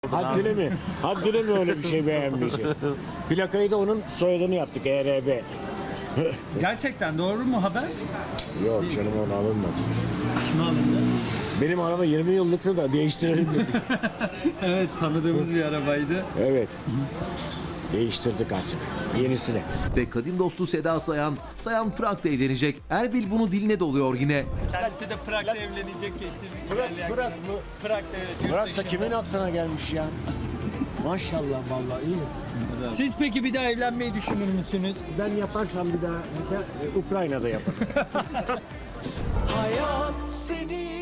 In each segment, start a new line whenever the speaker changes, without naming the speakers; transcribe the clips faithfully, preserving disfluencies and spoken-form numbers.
Haddine mi? Haddine mi öyle bir şey beğenmeyecek? Plakayı da onun soyadını yaptık E R B.
Gerçekten doğru mu haber?
Yok canım, onu alınmadı.
Kime alındı?
Benim araba yirmi yıllıktı da değiştirelim dedik.
Evet, tanıdığımız bir arabaydı.
Evet. Değiştirdik artık. Yenisine.
Ve kadim dostu Seda Sayan, Sayan Prag'da evlenecek. Erbil bunu diline doluyor yine.
Kendisi de Prag'da evlenecek geçti.
Prag, Prag mı?
Prag'da evet. yurt
Bırak da
dışında.
kimin aklına gelmiş ya? Maşallah vallahi iyi.
Siz peki bir daha evlenmeyi düşünür müsünüz?
Ben yaparsam bir daha nikah, e, Ukrayna'da yaparım.
Hayat seni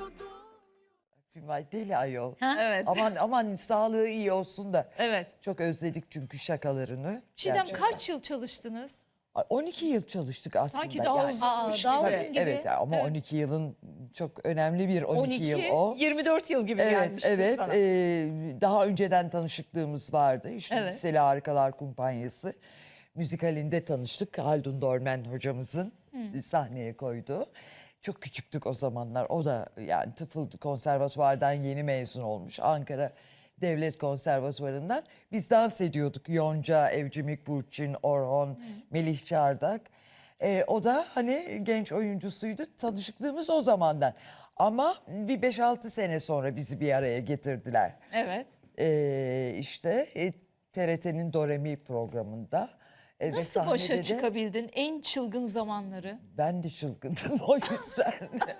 Ay deli ayol.
Evet.
Aman aman sağlığı iyi olsun da.
Evet.
Çok özledik çünkü şakalarını.
Çiğdem
Gerçekten.
kaç yıl çalıştınız?
Ay, on iki yıl çalıştık aslında.
Sanki daha
yani.
uzunmuş Aa, daha gibi. uzun gibi.
Evet ama
Evet.
on iki yılın çok önemli bir on iki, yıl o.
yirmi dört yıl gibi
Evet,
gelmişti
evet.
sana.
Ee, daha önceden tanışıklığımız vardı. İşte
Evet.
Liseli Harikalar Kumpanyası. Müzikalinde tanıştık. Haldun Dormen hocamızın sahneye koyduğu. Çok küçüktük o zamanlar. O da yani tıfıl konservatuvardan yeni mezun olmuş. Ankara Devlet Konservatuvarı'ndan. Biz dans ediyorduk. Yonca, Evcimik Burçin, Orhon, Melih Çardak. Ee, o da hani genç oyuncusuydu. Tanışıklığımız o zamandan. Ama bir beş altı sene sonra bizi bir araya getirdiler.
Evet.
Ee, işte e, T R T'nin Doremi programında. E, ve
Nasıl başa
sahnede de
çıkabildin en çılgın zamanları?
ben de çılgındım o yüzden.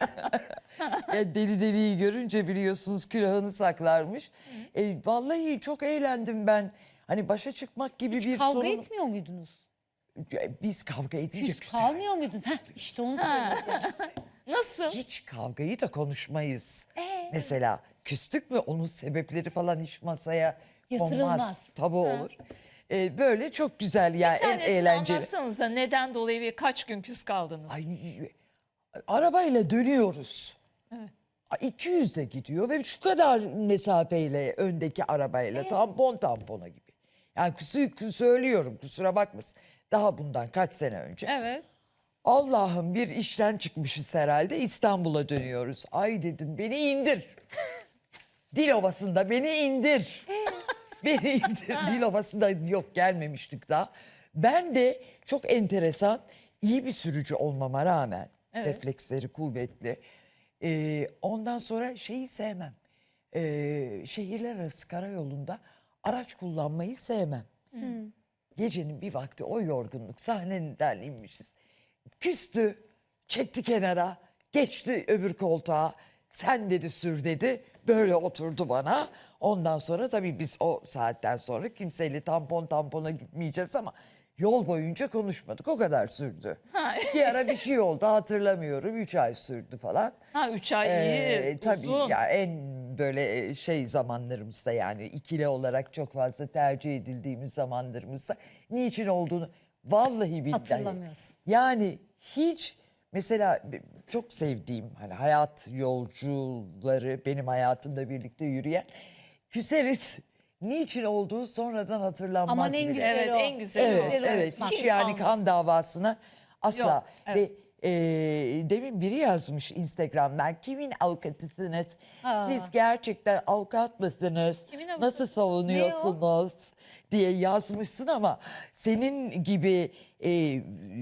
Ya deli deliyi görünce biliyorsunuz külahını saklarmış. E, vallahi çok eğlendim ben. Hani başa çıkmak gibi bir
Kavga
sorun.
etmiyor muydunuz?
Ya Biz kavga edince
Küs
küser.
kalmıyor muydunuz? Heh, işte onu söyleyeceğim.
Nasıl?
Hiç kavgayı da konuşmayız.
Ee?
Mesela küstük mü onun sebepleri falan hiç masaya konmaz.
Yatırılmaz.
Tabii olur. E, böyle çok güzel yani
Bir
en
tanesini
eğlenceli.
anlatsanıza neden dolayı ve kaç gün küs kaldınız?
Ay, arabayla dönüyoruz.
Evet.
Ay, iki yüzde gidiyor ve şu kadar mesafeyle öndeki arabayla tampon tampona gibi. Yani kusur, söylüyorum kusura bakmasın. Daha bundan kaç sene önce.
Evet.
Allah'ım bir işten çıkmışız herhalde İstanbul'a dönüyoruz. Ay dedim beni indir. Dilovası'nda beni indir. Beni indir. Dilovası'nda yok gelmemiştik daha. Ben de çok enteresan iyi bir sürücü olmama rağmen
Evet.
refleksleri kuvvetli. Ee, ondan sonra şeyi sevmem. Ee, şehirler arası karayolunda araç kullanmayı sevmem. Gecenin bir vakti o yorgunluk sahneden inmişiz. Küstü, çekti kenara, geçti öbür koltuğa. Sen dedi sür dedi. Böyle oturdu bana. Ondan sonra tabii biz o saatten sonra kimseyle tampon tampona gitmeyeceğiz ama yol boyunca konuşmadık. O kadar sürdü.
Ha.
Bir ara bir şey oldu hatırlamıyorum. Üç ay sürdü falan.
Ha üç ay
Ee,
iyi.
tabii
uzun.
ya en böyle şey zamanlarımızda yani ikili olarak çok fazla tercih edildiğimiz zamanlarımızda niçin olduğunu vallahi billahi.
Hatırlamıyorsun.
Yani hiç mesela çok sevdiğim hani hayat yolcuları benim hayatımda birlikte yürüyen küseriz. Niçin olduğu sonradan hatırlanmaz
Aman en
bile.
güzel
Evet
o.
en güzeli
Evet,
o.
güzel
evet.
unutmak.
Hiç
Kim
yani
almaz?
kan davasına asla.
Yok, evet.
Ve e, demin biri yazmış Instagram'dan kimin avukatısınız?
Aa.
Siz gerçekten avukat mısınız?
Kimin avukatı?
Nasıl savunuyorsunuz? Diye yazmışsın ama senin gibi e,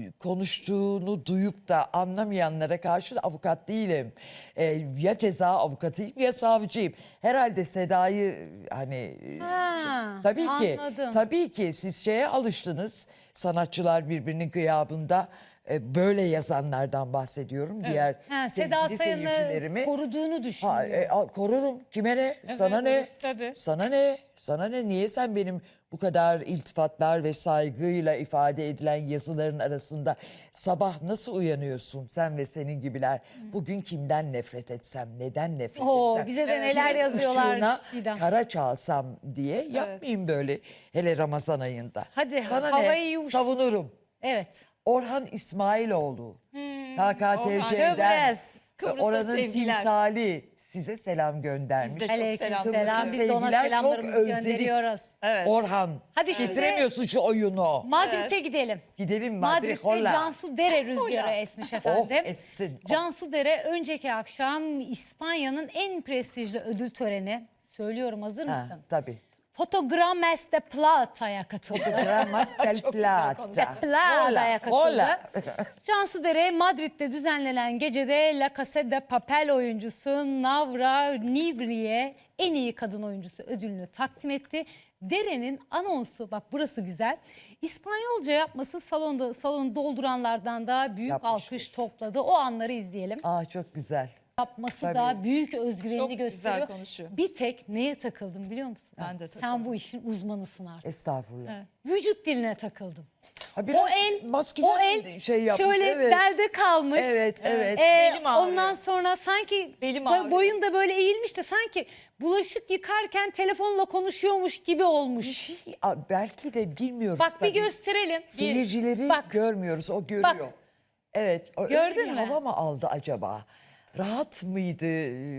konuştuğunu duyup da anlamayanlara karşı da avukat değilim. E, ya ceza avukatıyım ya savcıyım. Herhalde Seda'yı hani
Ha,
tabii ki
anladım.
tabii ki siz şeye alıştınız. Sanatçılar birbirinin gıyabında e, böyle yazanlardan bahsediyorum. Diğer
Ha, Seda
sevgili
Sayan'ı
seyircilerimi
koruduğunu düşünüyor.
Ha, e, al- korurum. Kime ne? Sana ne?
korur, tabii.
Sana ne? Sana ne? Niye sen benim bu kadar iltifatlar ve saygıyla ifade edilen yazıların arasında sabah nasıl uyanıyorsun sen ve senin gibiler? Bugün kimden nefret etsem, neden nefret
Oo,
etsem?
bize de neler
kimin
yazıyorlar
ışığına
Çiğdem.
kara çalsam diye yapmayayım böyle. Hele Ramazan ayında.
Hadi,
Sana
havayı
ne?
yumuş-
Savunurum.
Evet.
Orhan İsmailoğlu.
Hmm,
K K T C'den.
Kıbrıs. Kıbrıs'a
Oranın
sevgiler.
timsali size selam göndermiş.
Biz de çok
Aleyküm
selam
selam. Biz de ona
Sevgiler, çok
selamlarımızı
özledik.
gönderiyoruz.
Evet.
Orhan.
Hadi şimdi-
Bitiremiyorsun şu oyunu.
Madrid'e gidelim.
Gidelim Madrid.
Madrid'de
Holla.
Cansu Dere rüzgarı esmiş efendim.
Oh essin. Oh.
Cansu Dere önceki akşam İspanya'nın en prestijli ödül töreni Söylüyorum, hazır
Ha,
mısın?
tabii.
Fotogrames de Plata'ya katıldı.
Gramas del Plata.
Plata'ya katıldı.
Hola.
Cansu Dere Madrid'de düzenlenen gecede La Casa de Papel oyuncusu Navra Nivri'ye en iyi kadın oyuncusu ödülünü takdim etti. Dere'nin anonsu, bak burası güzel. İspanyolca yapması salonda salonu dolduranlardan da büyük
Yapmıştır.
alkış topladı. O anları izleyelim.
Aa çok güzel.
Yapması
Tabii.
da büyük özgüvenini
Çok güzel
gösteriyor.
konuşuyor.
Bir tek neye takıldım biliyor musun?
Ben de
Sen
takıldım.
bu işin uzmanısın artık.
Estağfurullah.
Vücut diline takıldım.
Ha, biraz
O el,
maskülen
o el
şey yapmış.
şöyle
evet.
belde kalmış.
Evet, evet.
Ee,
Belim ağrıyor.
ondan sonra sanki
Belim
boy-
ağrıyor.
boyun da böyle eğilmiş de sanki bulaşık yıkarken telefonla konuşuyormuş gibi olmuş.
Bir şey, Aa, belki de bilmiyoruz.
Bak bir
tabii.
gösterelim.
Seyircileri
Bak.
görmüyoruz, o görüyor.
Bak.
Evet. o- öyle
Gördün
bir
mü?
hava mı aldı acaba? Rahat mıydı?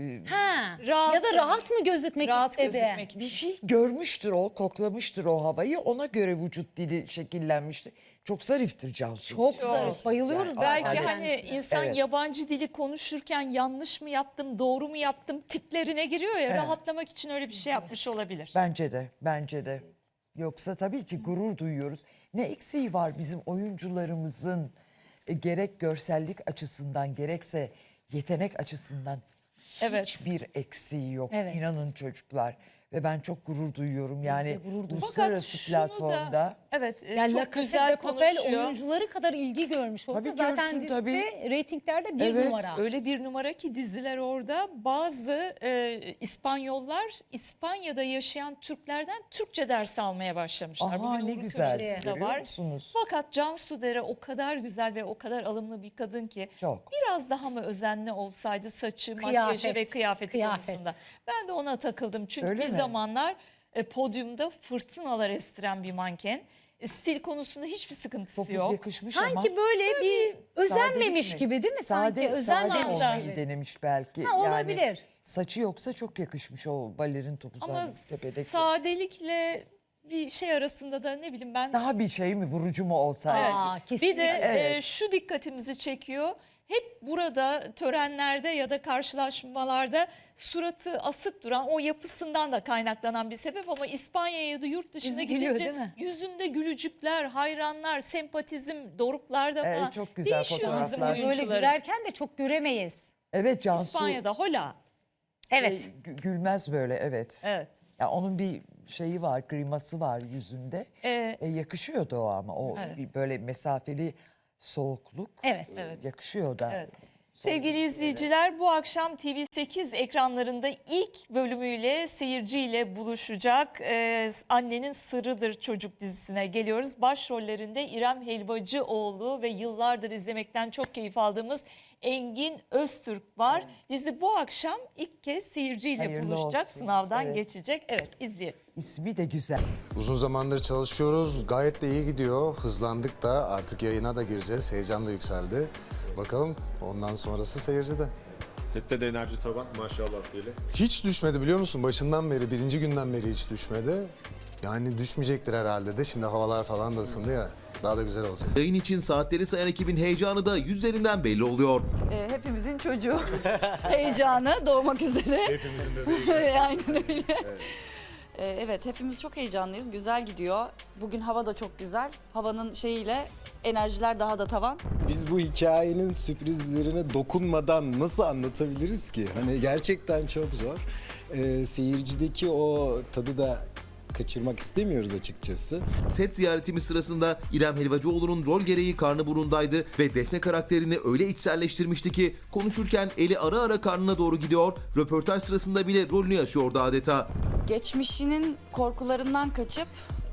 Ha.
Rahat
Ya da rahat mı gözükmek
Rahat
istedi?
gözükmek için.
Bir şey görmüştür o, koklamıştır o havayı. Ona göre vücut dili şekillenmiştir. Çok zariftir Cansu.
Çok zarif. Bayılıyoruz
Yani.
Belki
zaten
hani
kendisine.
insan
Evet.
yabancı dili konuşurken yanlış mı yaptım, doğru mu yaptım tiplerine giriyor ya,
Evet.
rahatlamak için öyle bir şey yapmış olabilir.
Bence de, bence de. Yoksa tabii ki gurur duyuyoruz. Ne eksiği var bizim oyuncularımızın e, gerek görsellik açısından gerekse yetenek açısından
Evet.
hiçbir eksiği yok.
Evet.
İnanın çocuklar. Ve ben çok gurur duyuyorum. Yani
gurur duyuyoruz.
uluslararası
şunu da-
platformda.
Evet, e,
Yani La
çok
Casa
güzel
de Papel
konuşuyor.
oyuncuları kadar ilgi görmüş oldu.
Tabii
Zaten
görsün,
dizisi
tabii.
reytinglerde bir
Evet,
numara.
Öyle bir numara ki diziler orada. Bazı e, İspanyollar İspanya'da yaşayan Türklerden Türkçe ders almaya başlamışlar.
Aha
Bugün
ne
Uğur
güzel.
Köşkü'nde
Görüyor
var.
musunuz?
Fakat Cansu Dere o kadar güzel ve o kadar alımlı bir kadın ki
Çok.
biraz daha mı özenli olsaydı saçı,
Kıyafet,
makyajı ve kıyafeti
kıyafet.
konusunda. Ben de ona takıldım. Çünkü
Öyle
bir
mi?
zamanlar e, podyumda fırtınalar estiren bir manken. E, stil konusunda hiçbir sıkıntısı
Topuz
yok.
yakışmış ama.
Sanki böyle bir özenmemiş
sadelik mi?
gibi değil mi?
Sade,
Sanki özenmemiş
sade olmayı
gibi.
denemiş belki.
Ha, olabilir.
Yani saçı yoksa çok yakışmış o balerin topuzları
Ama
tepedeki.
sadelikle bir şey arasında da ne bileyim ben.
Daha bir şey mi, vurucu mu olsaydı?
Evet.
Aa,
Bir
kesinlikle.
de
Evet.
e, şu dikkatimizi çekiyor. Hep burada törenlerde ya da karşılaşmalarda suratı asık duran, o yapısından da kaynaklanan bir sebep, ama İspanya'ya ya da yurt dışına
Yüzü gülüyor,
gidince
değil mi?
yüzünde gülücükler, hayranlar, sempatizm doruklarda
Evet,
falan.
çok güzel
Değişiyor bizim
fotoğraflar.
Böyle
oyuncuları.
gülerken de çok göremeyiz.
Evet Cansu
İspanya'da hola.
Evet.
şey, gü- gülmez böyle, evet.
Evet.
Ya onun bir şeyi var, griması var yüzünde.
Ee,
E, yakışıyordu o ama o
Evet.
bir böyle mesafeli soğukluk.
Evet.
Evet.
Yakışıyor da.
Evet.
Son
Sevgili
dizilere.
izleyiciler, bu akşam T V sekiz ekranlarında ilk bölümüyle seyirciyle buluşacak Ee, Annenin Sırrıdır çocuk dizisine geliyoruz. Başrollerinde İrem Helvacıoğlu ve yıllardır izlemekten çok keyif aldığımız Engin Öztürk var. Dizi bu akşam ilk kez seyirciyle
Hayırlı
buluşacak,
olsun.
sınavdan
Evet.
geçecek. Evet, izleyelim.
İsmi de güzel.
Uzun zamandır çalışıyoruz. Gayet de iyi gidiyor. Hızlandık da artık yayına da gireceğiz. Heyecan da yükseldi. Bakalım ondan sonrası seyircide.
Sette de enerji tavan maşallah diyelim.
Hiç düşmedi biliyor musun? Başından beri, birinci günden beri hiç düşmedi. Yani düşmeyecektir herhalde de. Şimdi havalar falan da ısındı ya. Daha da güzel olacak.
Yayın için saatleri sayan ekibin heyecanı da yüzlerinden belli oluyor.
Ee, hepimizin çocuğu heyecanı doğmak üzere.
Hepimizin bebeği.
Aynen öyle. Evet. evet, hepimiz çok heyecanlıyız. Güzel gidiyor. Bugün hava da çok güzel. Havanın şeyiyle enerjiler daha da tavan.
Biz bu hikayenin sürprizlerine dokunmadan nasıl anlatabiliriz ki? Hani gerçekten çok zor. Ee, seyircideki o tadı da kaçırmak istemiyoruz açıkçası.
Set ziyaretimiz sırasında İrem Helvacıoğlu'nun rol gereği karnı burundaydı ve Defne karakterini öyle içselleştirmişti ki konuşurken eli ara ara karnına doğru gidiyor, röportaj sırasında bile rolünü yaşıyordu adeta.
Geçmişinin korkularından kaçıp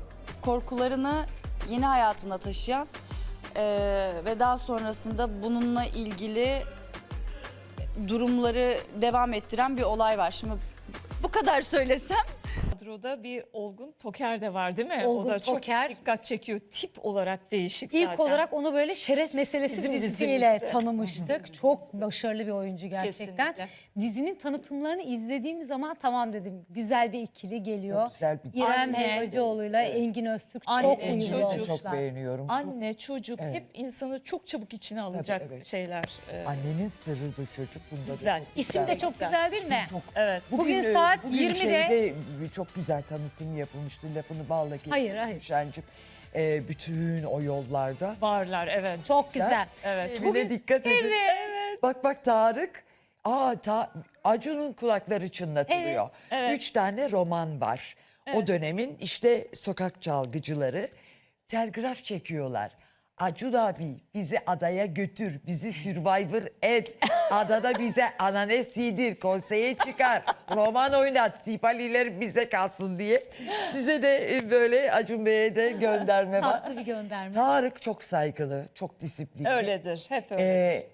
korkularını yeni hayatına taşıyan eee, ve daha sonrasında bununla ilgili durumları devam ettiren bir olay var. Şimdi bu kadar söylesem
Kadroda bir Olgun Toker de var değil mi?
Olgun
o da
Toker.
çok dikkat çekiyor. Tip olarak değişik
İlk
zaten.
olarak onu böyle Şeref Meselesi
Bizim
dizisiyle
dizimizde.
tanımıştık. Çok başarılı bir oyuncu gerçekten.
Kesinlikle.
Dizinin tanıtımlarını izlediğim zaman tamam dedim. Güzel bir ikili geliyor.
Çok güzel bir
İrem
Anne.
Helvacıoğlu'yla Engin Öztürk
Anne,
çok
Engin
uyumlu
çocuk.
Engin'i de
olmuşlar.
çok beğeniyorum. Çok-
Anne, çocuk
Evet.
hep insanı çok çabuk içine alacak
evet.
şeyler. Ee,
Annenin sırrıdır çocuk. Bunda da
Güzel.
çok
İsim de çok güzel değil mi?
Çok
evet.
Bugün
e,
saat
bugün
yirmide
şeyde çok güzel tanıtım yapılmıştı. Lafını balla kestim.
Hayır, hayır.
Şencim. Ee, bütün o yollarda.
Varlar evet.
Çok güzel.
Evet.
Bugün dikkat edin.
Evet.
Bak bak Tarık. Aa ta, Acun'un kulakları çınlatılıyor.
Evet.
Üç tane roman var. O dönemin işte sokak çalgıcıları telgraf çekiyorlar. Acun abi bizi adaya götür, bizi Survivor et. Adada bize ananes yedir, konseye çıkar, roman oynat, sipaliler bize kalsın diye. Size de e, böyle Acun Bey'e de gönderme var.
Tatlı bir gönderme.
Tarık çok saygılı, çok disiplinli.
Öyledir. Hep öyle.
Ee,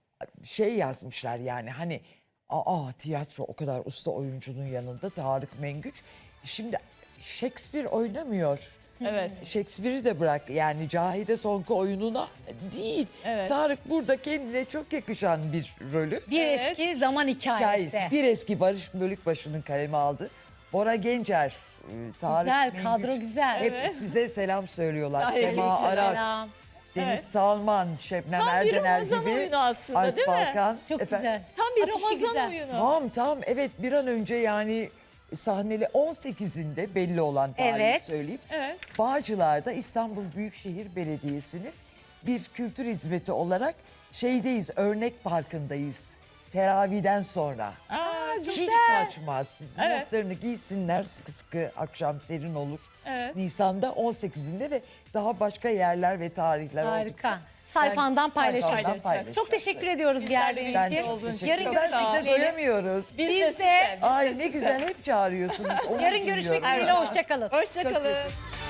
şey yazmışlar yani hani aa tiyatro o kadar usta oyuncunun yanında Tarık Mengüç. Şimdi Shakespeare oynamıyor.
Evet.
Shakespeare'i de bırak yani Cahide Sonku oyununa değil.
Evet.
Tarık burada kendine çok yakışan bir rolü.
Bir
Evet.
eski zaman hikayesi.
Hikayesi. Bir eski Barış Bölükbaşı'nın kaleme aldı. Bora Gencer, e, Tarık
Güzel,
Mengüç
kadro güzel.
hep
Evet.
size selam söylüyorlar.
Ay,
Sema Aras,
Selam.
Deniz
Evet.
Salman, Şebnem
Tam bir
Erdener
Ramazan
gibi.
oyunu aslında
Alp
değil mi?
Balkan.
Çok
Efendim?
güzel.
Tam bir
Afişi
Ramazan
güzel.
oyunu.
Tam tam evet bir an önce yani sahneli on sekizinde belli olan tarihi
Evet.
söyleyeyim.
Evet.
Bağcılar'da İstanbul Büyükşehir Belediyesi'nin bir kültür hizmeti olarak şeydeyiz, Örnek Parkı'ndayız. Teraviden sonra.
Aa, çok
Hiç kaçmaz.
Evet.
Montlarını giysinler sıkı sıkı akşam serin olur.
Evet.
Nisan'da on sekizinde ve daha başka yerler ve tarihler
Harika.
oldukça.
Sayfandan
Ben sayfamdan
paylaşacağım.
paylaşacağım.
Çok teşekkür ediyoruz geldiğin
Ben de
için.
çok
olduğun için
teşekkür
Yarın
ederim.
görüşmek
Size
dileğiyle.
doyamıyoruz.
Biz,
Biz
de
de-
size.
Ay ne güzel hep çağırıyorsunuz. Onur
Yarın görüşmek
duyuyorum.
dileğiyle. Hoşçakalın.
Hoşçakalın.